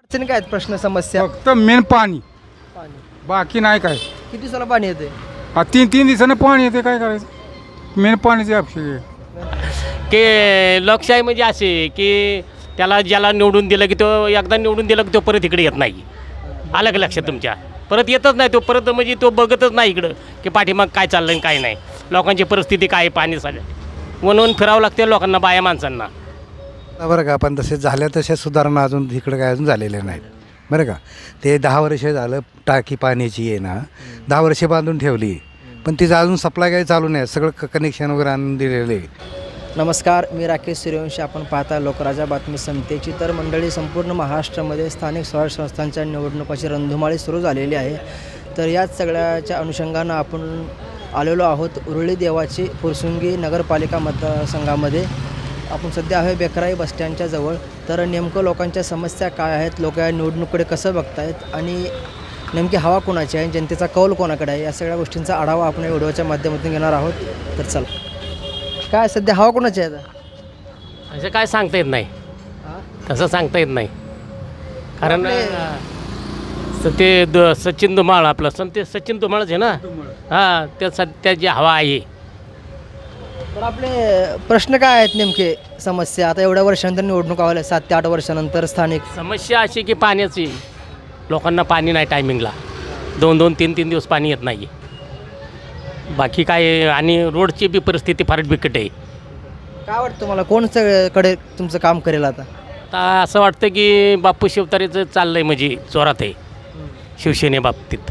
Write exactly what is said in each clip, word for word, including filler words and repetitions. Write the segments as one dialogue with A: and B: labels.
A: अडचणी काय आहेत, प्रश्न समस्या?
B: फक्त मेन पाणी,
A: पाणी.
B: बाकी नाही काय.
A: किती दिवसाला पाणी येते?
B: हा तीन तीन दिवसानं पाणी येते, काय करायचं. मेन पाणीची आवश्यक आहे.
C: की लोकशाही म्हणजे असे की त्याला ज्याला निवडून दिलं की तो एकदा निवडून दिलं की तो परत इकडे येत नाही. आलं का लक्षात तुमच्या? परत येतच नाही तो, परत म्हणजे तो बघतच नाही इकडं की पाठीमाग काय चाललं आणि काय नाही. लोकांची परिस्थिती काय आहे, पाणी सगळं म्हणून फिरावं लागते लोकांना, बाया माणसांना.
D: बरं का, पण तसे झाल्या तशा सुधारणा अजून इकडं काय अजून झालेल्या नाहीत. बरं का, ते दहा वर्ष झालं टाकी पाण्याची आहे ना, दहा वर्षे बांधून ठेवली, पण तिचं अजून सप्लाय काही चालू नाही. सगळं क कनेक्शन वगैरे आणून दिलेलं आहे.
A: नमस्कार, मी राकेश सूर्यवंशी. आपण पाहता लोकराजा बातमी समितीची. तर मंडळी, संपूर्ण महाराष्ट्रामध्ये स्थानिक स्वराज्य संस्थांच्या निवडणुकाची रणधुमाळी सुरू झालेली आहे. तर याच सगळ्याच्या अनुषंगानं आपण आलेलो आहोत उरुळी देवाची फुरसुंगी नगरपालिका मतदारसंघामध्ये. आपण सध्या आहे बेकराई बसस्टँडच्या जवळ. तर नेमकं लोकांच्या समस्या काय आहेत, लोक या निवडणुकीकडे कसं बघतायत आणि नेमकी हवा कोणाची आहे, जनतेचा कौल कोणाकडे आहे, या सगळ्या गोष्टींचा आढावा आपण या व्हिडिओच्या माध्यमातून घेणार आहोत. तर चला, काय सध्या हवा कोणाची आहे आता?
C: असं काय सांगता येत नाही, तसं सांगता येत नाही. कारण स- ते द सचिन धुमाळ आपलं सं ते सचिन धुमाळच आहे ना. हां, त्या सध्या जी हवा आहे.
A: तर आपले प्रश्न काय आहेत नेमके समस्या? आता एवढ्या वर्षानंतर निवडणूक आल्या, सात ते आठ वर्षानंतर स्थानिक
C: समस्या अशी की पाण्याची, लोकांना पाणी नाही टायमिंगला. दोन दोन तीन तीन दिवस पाणी येत नाही. बाकी काय, आणि रोडची बी परिस्थिती फार बिकट आहे.
A: काय वाटतं तुम्हाला, कोण कडे तुमचं काम करेल आता?
C: आता असं वाटतं की बापू शिवतारेचं चाललं आहे, म्हणजे जोरात आहे शिवसेनेबाबतीत.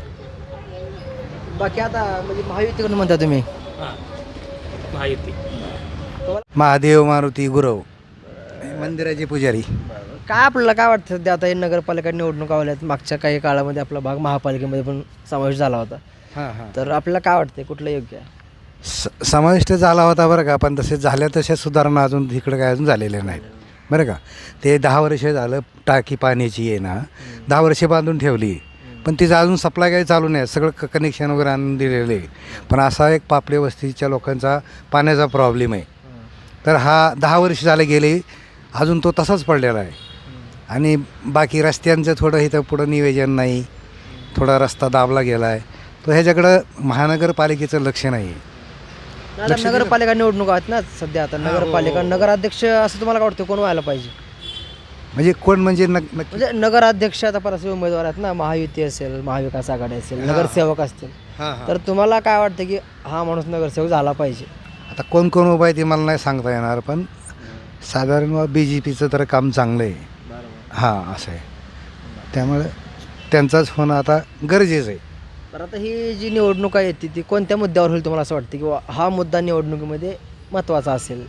A: बाकी आता म्हणजे महायुतीकडून म्हणता तुम्ही?
C: हां, माहिती.
D: महादेव, मारुती, गुरव, मंदिराचे पुजारी.
A: काय आपल्याला काय वाटतं सध्या आता हे नगरपालिका निवडणूक आल्यात, मागच्या काही काळामध्ये आपला भाग महापालिकेमध्ये पण समावेश झाला होता.
D: हां हां
A: तर आपल्याला काय वाटतं कुठलं योग्य आहे?
D: स समाविष्ट झाला होता. बरं का, पण तसे झाल्या तशा सुधारणा अजून इकडं काय अजून झालेल्या नाहीत. बरं का, ते दहा वर्ष झालं टाकी पाण्याची आहे ना, दहा वर्षे बांधून ठेवली, पण तिचं अजून सप्लाय काही चालू नाही. सगळं क कनेक्शन वगैरे आणून दिलेलं आहे. पण असा एक पापडी वस्तीच्या लोकांचा पाण्याचा प्रॉब्लेम आहे. तर हा दहा वर्ष झाले गेले, अजून तो तसाच पडलेला आहे. आणि बाकी रस्त्यांचं थोडं इथं पुढं नियोजन नाही, थोडा रस्ता दाबला गेला आहे. तो ह्याच्याकडं महानगरपालिकेचं लक्ष नाही आहे.
A: आता नगरपालिका निवडणूक आहेत ना सध्या. आता नगरपालिका नगराध्यक्ष असं तुम्हाला काय वाटतं कोण व्हायला पाहिजे?
D: म्हणजे कोण म्हणजे नक नक्की
A: म्हणजे नगराध्यक्ष आता परस्पर उमेदवार आहेत ना, महायुती असेल, महाविकास आघाडी असेल, नगरसेवक असतील.
D: हां हां
A: तर तुम्हाला काय वाटतं की हा माणूस नगरसेवक झाला पाहिजे?
D: आता कोण कोण उभं आहे ते मला नाही सांगता येणार, पण साधारण बी जे पीचं तर काम चांगलं आहे. हां, असं आहे. त्यामुळे त्यांचाच होणं आता गरजेचं आहे.
A: तर आता ही जी निवडणूक आहे ती ती कोणत्या मुद्द्यावर होईल तुम्हाला असं वाटतं किंवा हा मुद्दा निवडणुकीमध्ये महत्त्वाचा असेल?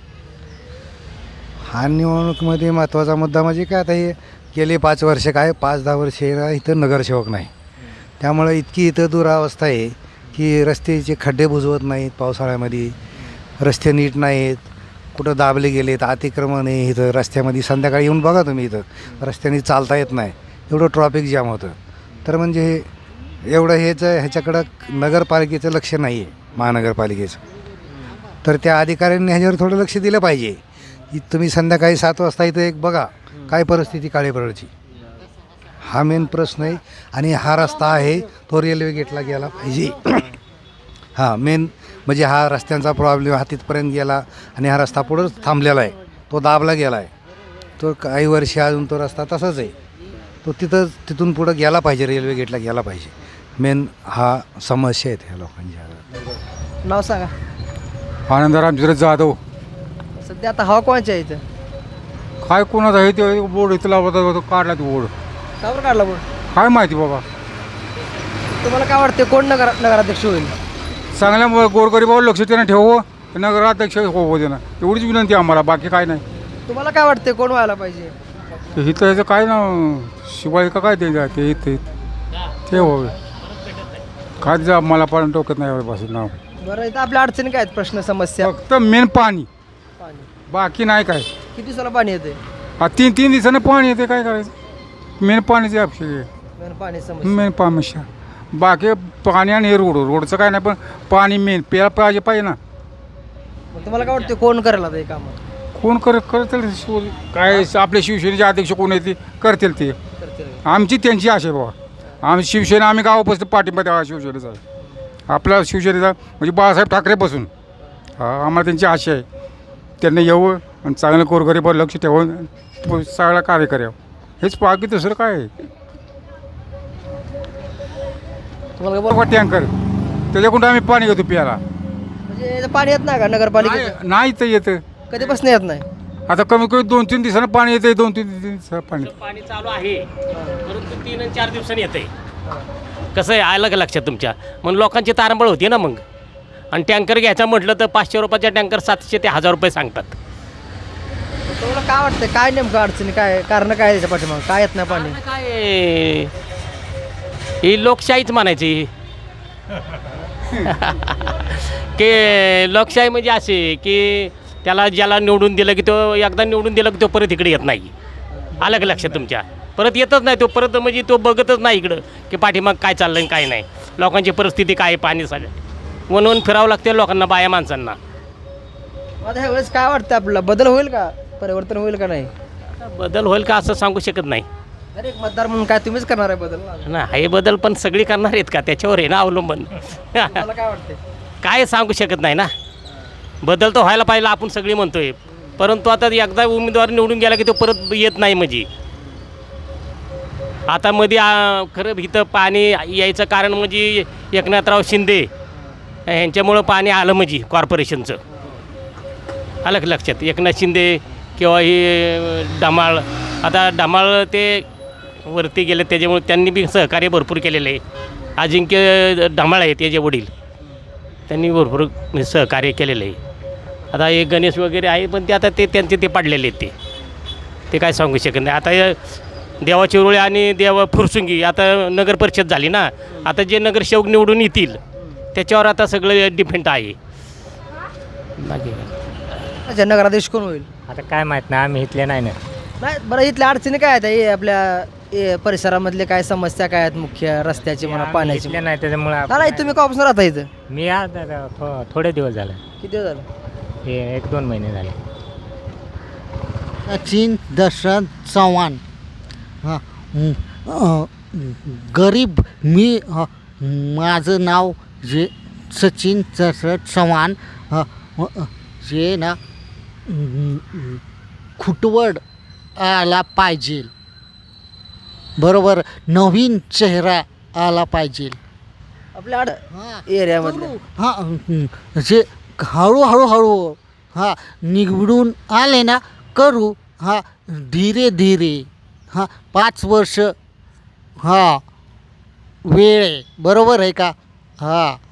D: हा निवडणुकीमध्ये महत्त्वाचा मुद्दा म्हणजे काय, आता हे गेले पाच वर्ष काय पाच दहा वर्ष इथं नगरसेवक नाही. त्यामुळे इतकी इथं दुरावस्था आहे की रस्त्याचे खड्डे बुजवत नाहीत, पावसाळ्यामध्ये रस्ते नीट नाहीत, कुठं दाबले गेलेत, अतिक्रमण आहे इथं रस्त्यामध्ये. संध्याकाळी येऊन बघा तुम्ही, इथं रस्त्याने चालता येत नाही, एवढं ट्रॉफिक जाम होतं. तर म्हणजे हे एवढं हेच ह्याच्याकडं नगरपालिकेचं लक्ष नाही आहे, महानगरपालिकेचं. तर त्या अधिकाऱ्यांनी ह्याच्यावर थोडं लक्ष दिलं पाहिजे. तुम्ही संध्याकाळी सात वाजता इथं एक बघा काय परिस्थिती काळेपरडची. हा मेन प्रश्न आहे. आणि हा रस्ता आहे तो रेल्वे गेटला गेला पाहिजे. हां, मेन म्हणजे हा रस्त्यांचा प्रॉब्लेम हा तिथपर्यंत गेला आणि हा रस्ता पुढंच थांबलेला आहे, तो दाबला गेला आहे. तो काही वर्ष अजून तो रस्ता तसाच आहे, तो तिथं तिथून पुढं गेला पाहिजे, रेल्वे गेटला गेला पाहिजे. मेन हा समस्या आहेत ह्या लोकांच्या.
A: नाव सांगा.
B: आनंदराम जिरत जाधव.
A: सध्या आता हवा कोणाची आहे इथं?
B: काय कोणाचा आहे ते बोर्ड इथं लावता काढला तो बोर्ड,
A: का बरं काढला बोर्ड?
B: काय माहिती बाबा.
A: तुम्हाला काय वाटते कोण नगर नगराध्यक्ष होईल?
B: चांगल्या गोरगरिबावर लक्ष त्यानं ठेवावं, नगराध्यक्ष होवं देणं, एवढीच विनंती आम्हाला, बाकी काय नाही.
A: तुम्हाला काय वाटते कोण व्हायला पाहिजे?
B: ते इथं ह्याचं काय ना शिवाय का काय ते ते इथे ते व्हावे, काय जा मला पण टोकत नाही पासून नाव.
A: बरं, इथं आपल्या अडचणी काय आहेत, प्रश्न समस्या?
B: फक्त मेन पाणी,
A: पाणी.
B: बाकी नाही काय.
A: किती दिवसाला पाणी येते?
B: हा तीन तीन दिवसानं पाणी येते, काय करायचं. मेन पाण्याची आवश्यक आहे,
A: मेन पाणी समस्या.
B: मेन समस्या. बाकी पाणी आणि हे रोड, रोडचं काय नाही, पण पाणी मेन प्यायला पाहिजे पाहिजे ना.
A: मग तुम्हाला काय वाटते कोण करेल आता हे काम?
B: कोण कर करतील शिव काय आपल्या शिवसेनेचे अध्यक्ष कोण आहे ते करतील ते.
A: करतील
B: आमची त्यांची आशा आहे बाबा. आम्ही शिवसेना आम्ही गावापासून पाठिंबा द्यावा शिवसेनेचा आहे. आपला शिवसेनेचा म्हणजे बाळासाहेब ठाकरेपासून हा आम्हाला त्यांची आशा आहे. त्यांना यावं आणि चांगलं गोरगरिबावर लक्ष ठेवून प- सगळं कार्य करावं. हेच बाकी दुसरं काय आहे.
A: तुम्हाला काय बोल-
B: बघा टँकर त्याच्याकडून आम्ही पाणी घेतो प्यायला.
A: म्हणजे याचं पाणी येत नाही का नगरपालिकेचं?
B: नाही- नाही तर येतं.
A: कधीपासून येत नाही?
B: आता कमी कमी दोन तीन दिवसानं पाणी येतं. दोन तीन दिवसानं पाणी
C: पाणी चालू आहे परंतु तीन आणि चार दिवसांनी येते. कसं आहे आलं का लक्षात तुमच्या? म्हणून लोकांची तारंबळ होती ना मग. आणि टँकर घ्यायचा म्हटलं तर पाचशे रुपयाचा टँकर सातशे ते हजार रुपये सांगतात.
A: तुम्हाला काय वाटतं काय नेमकं अडचणी काय कारण काय त्याच्या पाठीमागं काय येत नाही पाणी?
C: आता काय ही लोकशाहीच म्हणायची की लोकशाही म्हणजे असे की त्याला ज्याला निवडून दिलं की तो एकदा निवडून दिलं की तो परत इकडे येत नाही. आलं का लक्षात तुमच्या? परत येतच नाही तो परत म्हणजे तो बघतच नाही इकडं की पाठीमाग काय चाललं आणि काय नाही. लोकांची परिस्थिती काय आहे पाणी सगळं म्हणून फिरावं लागते लोकांना बाया माणसांना.
A: आता ह्यावेळेस काय वाटतं आपल्याला बदल होईल का परिवर्तन होईल का नाही?
C: बदल होईल का असं सांगू शकत नाही
A: अरे एक मतदार म्हणून काय तुम्हीच करणार आहे बदल?
C: ना. हे बदल पण सगळी करणार आहेत का त्याच्यावर आहे ना अवलंबून.
A: मला काय वाटतं?
C: काय सांगू शकत नाही ना. बदल तर व्हायला पाहिजे आपण सगळी म्हणतोय परंतु आता एकदा उमेदवार निवडून गेला की तो परत येत नाही. म्हणजे आता मध्ये आ, खरं इथं पाणी यायचं कारण म्हणजे एकनाथराव शिंदे ह्यांच्यामुळं पाणी आलं म्हणजे कॉर्पोरेशनचं. आलं का लक्षात? एकनाथ शिंदे किंवा हे डमाळ आता डमाळ ते वरती गेले त्याच्यामुळे त्यांनी बी सहकार्य भरपूर केलेलं आहे. अजिंक्य डमाळ आहे त्याचे वडील त्यांनी भरपूर सहकार्य केलेलं आहे. आता हे गणेश वगैरे आहे पण ते आता ते त्यांचे ते पाडलेले आहेत. ते ते काय सांगू शकत नाही. आता हे देवा चिरोळे आणि देवा फुरसुंगी आता नगर परिषद झाली ना. आता जे नगरसेवक निवडून येतील त्याच्यावर आता सगळं डिपेंड आहे. बाकी काय.
A: अच्छा नगराधीश कोण होईल?
E: आता काय माहीत नाही आम्ही इथले नाही ना.
A: नाही बरं इथल्या अडचणी काय आहेत हे आपल्या हे परिसरामधले काय समस्या काय आहेत मुख्य रस्त्याची म्हणा
E: आम्ही
A: पाण्याची?
E: इथले नाही त्याच्यामुळे
A: नाही
E: आपण
A: नाही, तुम्ही कॉपसून राहता इथं
E: मी आता आता थो- थोडे दिवस झाले.
A: किती दिवस झालं?
E: हे एक दोन महिने झाले.
F: सचिन दशरथ चव्हाण. हां अं, गरीब मी अं, माझं नाव जे सचिन दशरथ चव्हाण. अं, अं, जे ना अं, खुटवड आला पाहिजे. बरोबर नवीन चेहरा आला पाहिजे.
A: आपल्या आड
F: हां
A: एरियामधले
F: हां अं, जे हळूहळू हळू हां निवडून आले ना करू. हां धीरे धीरे हां पाच वर्ष हां वेळ आहे. बरोबर आहे का? हां